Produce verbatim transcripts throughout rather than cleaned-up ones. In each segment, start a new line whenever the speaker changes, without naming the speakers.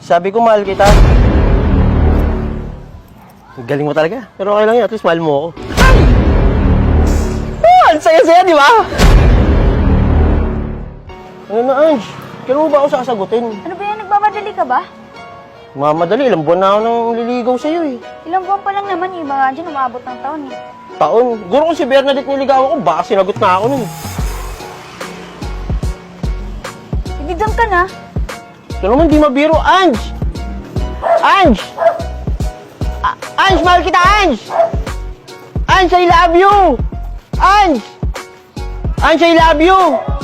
Sabi ko, mahal kita. Galing mo talaga. Pero okay lang yun. At least mahal mo ako. Ay! Oh, ang saya-saya, di ba? Ano na, Ange? Kailan mo ba ako sasagutin?
Ano ba yan? Nagmamadali ka ba?
Mamadali. Ilang buwan na ako nang liligaw sa'yo eh.
Ilang buwan pa lang naman eh. Baka dyan umabot ng taon eh.
Taon. Guro kung si Bernadette niligaw ako, baka sinagot na ako nun.
Hindi doon ka na.
Ito naman di mabiro, Ange! Ange! A- Ange, mahal kita, Ange! Ange, I love you! Ange! Ange, I love you!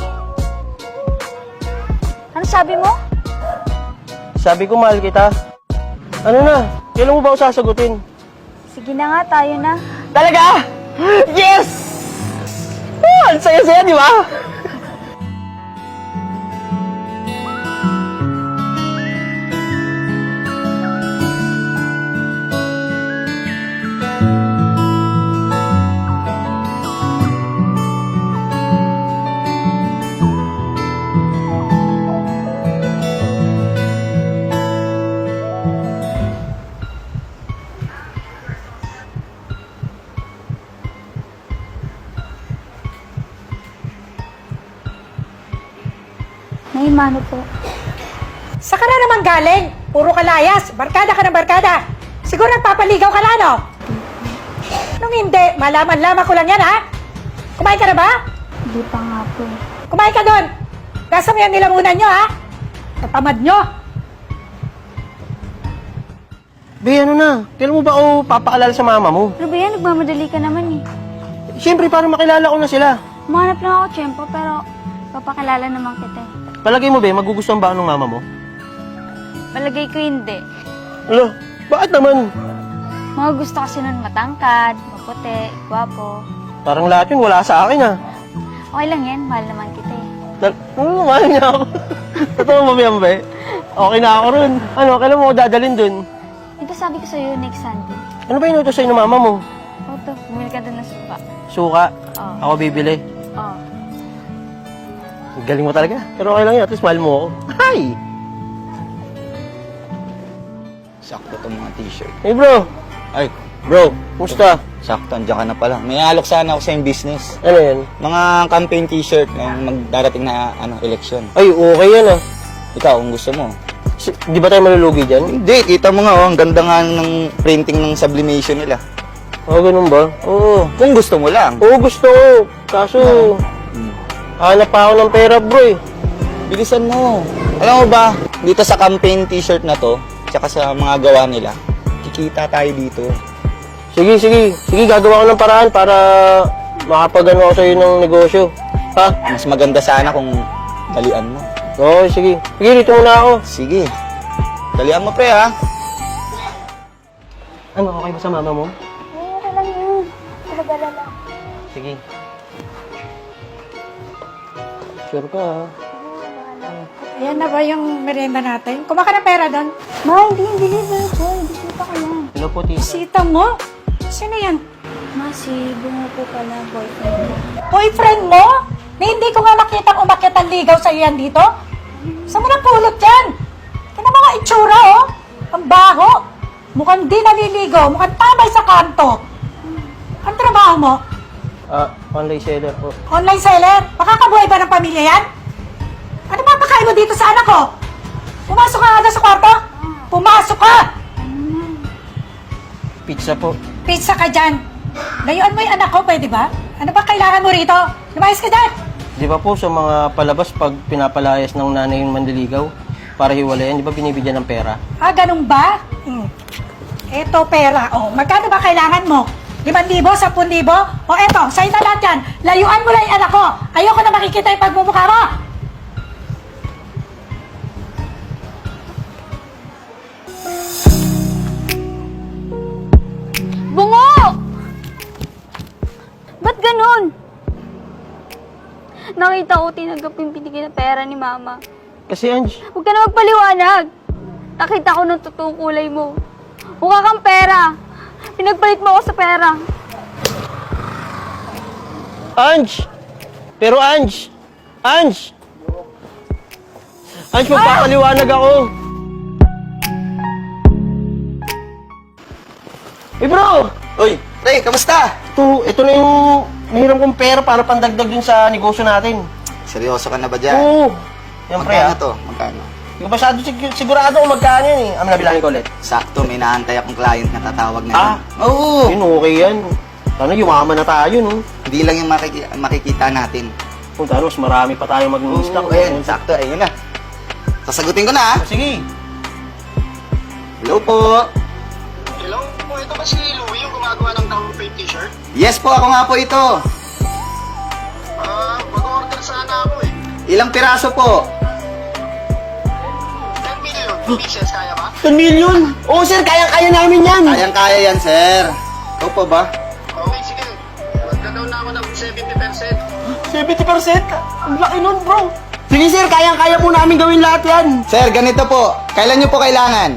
Ano sabi mo?
Sabi ko, mahal kita. Ano na? Kailan mo ba ako sasagutin?
Sige na nga, tayo na.
Talaga? Yes! Oh, ang saya-saya, di ba?
May mano po.
Sa ka na naman galing? Puro kalayas. Barkada ka ng barkada. Siguro nagpapaligaw ka lang, no? Nung hindi, malaman-laman ko lang yan, ha? Kumain ka na ba?
Hindi pa nga po.
Kumain ka doon. Gasa mo yan nilamunan nyo, ha? Tatamad nyo.
Be, ano na? Kailan mo ba ako papaalala sa mama mo?
Ano ba yan? Nagmamadali ka naman eh.
Siyempre, para makilala ko na sila.
Umanap lang ako, Tiyempo, pero papakilala naman kita eh.
Palagay mo, be, magugustuhan ba ng mama mo?
Palagay ko hindi.
Alo, bakit naman?
Mga gusto kasi nun matangkad, maputi, gwapo.
Parang lahat yun wala sa akin, ah.
Okay lang yan, mahal naman kita eh.
Tal- ano, mahal niya ako. Totoo mo, be, be? Okay na ako ron. Ano, kailan mo ako dadalhin dun?
Ito sabi ko sa'yo next Sunday.
Ano ba inutos sa'yo ng mama mo?
O to, bumili ka doon ng supa.
Suka.
Oo.
Ako bibili.
Oo.
Galing mo talaga. Pero okay lang yun. At least mahal mo ako. Hi!
Sakto itong mga t-shirt.
Hey, bro.
Ay, bro.
Kumusta?
Sakto, andiyan ka na pala. May alok sana ako sa yung business.
Ano yan?
Mga campaign t-shirt ng magdarating na ano, eleksyon.
Ay, okay yan, ah.
Ikaw, kung gusto mo.
Si- di ba tayo malulugi dyan?
Hindi, kita mo nga, oh, ang ganda nga ng printing ng sublimation nila.
Oo, ganun ba?
Oo, kung gusto mo lang.
Oo, gusto ko. Kaso,
Hmm.
hanap pa ako ng pera, bro, eh.
Bilisan mo. Alam mo ba, dito sa campaign t-shirt na to, tsaka sa mga gawa nila, kikita tayo dito.
Sige, sige. Sige, gagawa ko ng paraan para makapagano ako sa'yo ng negosyo. Ha?
Mas maganda sana kung dalian mo.
Oo, sige. Sige, dito muna ako.
Sige. Dalian mo, pre, ha?
Ano, okay ba sa mama mo?
Oo, okay lang yun. Talaga lang.
Sige. Sure ka, ha?
Ayan na ba yung merienda natin? Kumaka ng pera doon.
Ma, hindi yung deliver ko. Hindi kita ka yan.
Hello po, tita.
Sita mo? Sino yan?
Ma, si Bungo po pala, boyfriend ko.
Boyfriend mo? Na hindi ko nga nakitang umakyat ang ligaw sa'yo yan dito? Saan mo napulot yan? Kaya mga itsura, oh. Ang baho. Mukhang di naliligo. Mukhang tamay sa kanto. Ang trabaho mo?
Ah, online seller po.
Online seller? Makakabuhay ba ng pamilya yan? Ano ba pakain mo dito sa anak ko? Pumasok ka nga sa kwarto? Pumasok ka!
Pizza po.
Pizza ka dyan. Layuan mo yung anak ko, pwede ba? Ano ba kailangan mo rito? Lumayas ka dyan!
Di ba po sa mga palabas pag pinapalayas ng nanay yung mandiligaw para hiwalayan, di ba binibigyan ng pera?
Ah, ganun ba? Hmm. Eto pera. O, magkano ba kailangan mo? limang libo? Sampung libo? O eto, sa'yo na lahat yan. Layuan mo lang yung anak ko. Ayoko na makikita yung pagmumukha mo.
Bungo! Ba't ganun? Nakita ko tinanggap yung binigay na pera ni Mama.
Kasi, Ange,
Huwag ka na magpaliwanag. Nakita ko ng totoong kulay mo. Mukha kang pera. Pinagpalit mo ako sa pera.
Ange! Pero Ange! Ange! Ange, magpapaliwanag ako. Eh bro,
Uy, pre, kamusta?
ito, ito na yung nahiram kong pera para pandagdag dun sa negosyo natin.
Seryoso ka na ba dyan?
Oo. Yan pre
Magkano
ah.
to? Magkano?
Hindi ko masyado sig- sigurado kung magkano yan eh. Ang nabilangin ko ulit.
Sakto, may naantay akong client na tatawag na.
Ah.
Oo.
Yun, okay yan. Sana yumaman na tayo, no?
Hindi lang yung makiki- makikita natin.
Kung talo, mas marami pa tayo
Oo,
mag-stock.
ayan, sakto, ayun na. Sasagutin ko na, ah.
Sige.
Hello po.
Hello? Po, ito ba si Louie yung gumagawa ng campaign t-shirt?
Yes po, ako nga po ito.
Ah, mag-order sana ako eh.
Ilang piraso po?
ten million pieces, kaya ba?
ten million? Oo sir, kaya-kaya namin yan.
Kayang-kaya yan, sir. Ikaw po ba?
Okay, sige. Magda-down na ako ng seventy percent.
seventy percent? Ang laki nun, bro. Sige sir, kaya-kaya po namin gawin lahat yan.
Sir, ganito po. Kailan nyo po kailangan?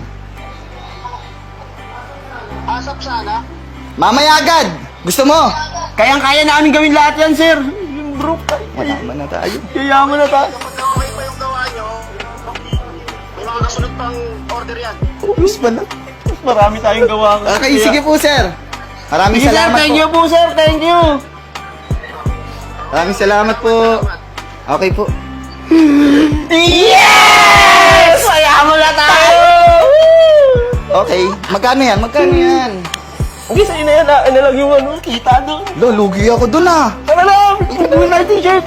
Asap sana.
Mamaya agad. Gusto mo?
Kayang-kaya namin gawin lahat yan, sir. Yun, bro.
Malaman na tayo.
Yayaman na tayo.
Kapag okay pa yung gawa nyo, may mga kasunod pang order yan.
Ubus pa na.
Marami tayong gawa.
Okay, sige po, sir. Maraming
Sige sir,
salamat
thank
po.
you po, sir. Thank you.
Maraming salamat po. Okay po.
Yes! Mayaman na tayo!
Okay. Magkano yan? Magkano yan?
Hindi, sa'yo na yan. Ah. Ano lang yung ano, kita doon.
Lo, lugi ako dun ah.
Tara lang! Gawin natin t-shirt.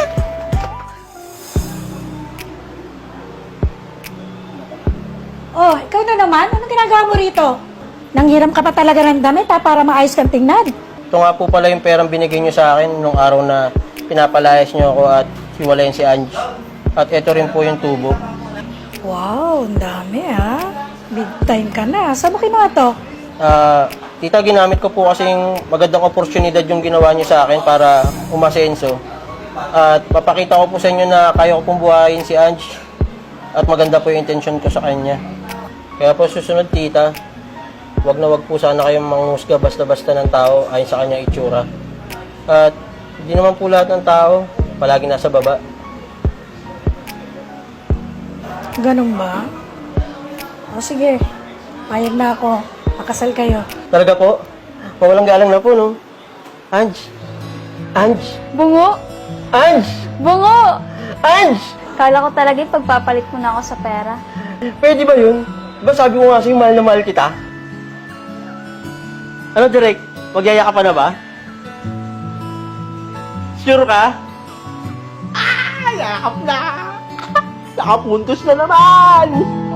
Oh, ikaw na naman? Anong ginagawa mo rito? Nanghiram ka pa talaga ng damit ha, para maayos kang tingnan.
Ito nga po pala yung perang binigay nyo sa akin nung araw na pinapalayas nyo ako at hiwalayan si Ange. At ito rin po yung tubo.
Wow, ang dami ha. Big time ka na. Saan mo kinuha to?
Ah, tita, ginamit ko po kasing magandang oportunidad yung ginawa nyo sa akin para umasenso. At papakita ko po sa inyo na kaya ko pong buhayin si Ange. At maganda po yung intention ko sa kanya. Kaya po susunod, tita, wag na wag po sana kayong manghusga basta-basta ng tao ayon sa kanya itsura. At hindi naman po lahat ng tao palagi nasa baba.
Ganun ba? O sige, payag na ako. Pakasal kayo.
Talaga po? Mawalang galang na po, no? Ange! Ange!
Bungo!
Ange!
Bungo!
Ange!
Kala ko talaga yung pagpapalit mo na ako sa pera.
Pwede ba yun? Diba sabi ko nga sa'yo, mahal na mahal kita? Ano, Direk? Magyaya ka pa na ba? Sure ka? Ah! Yakap na! Nakapuntos na naman!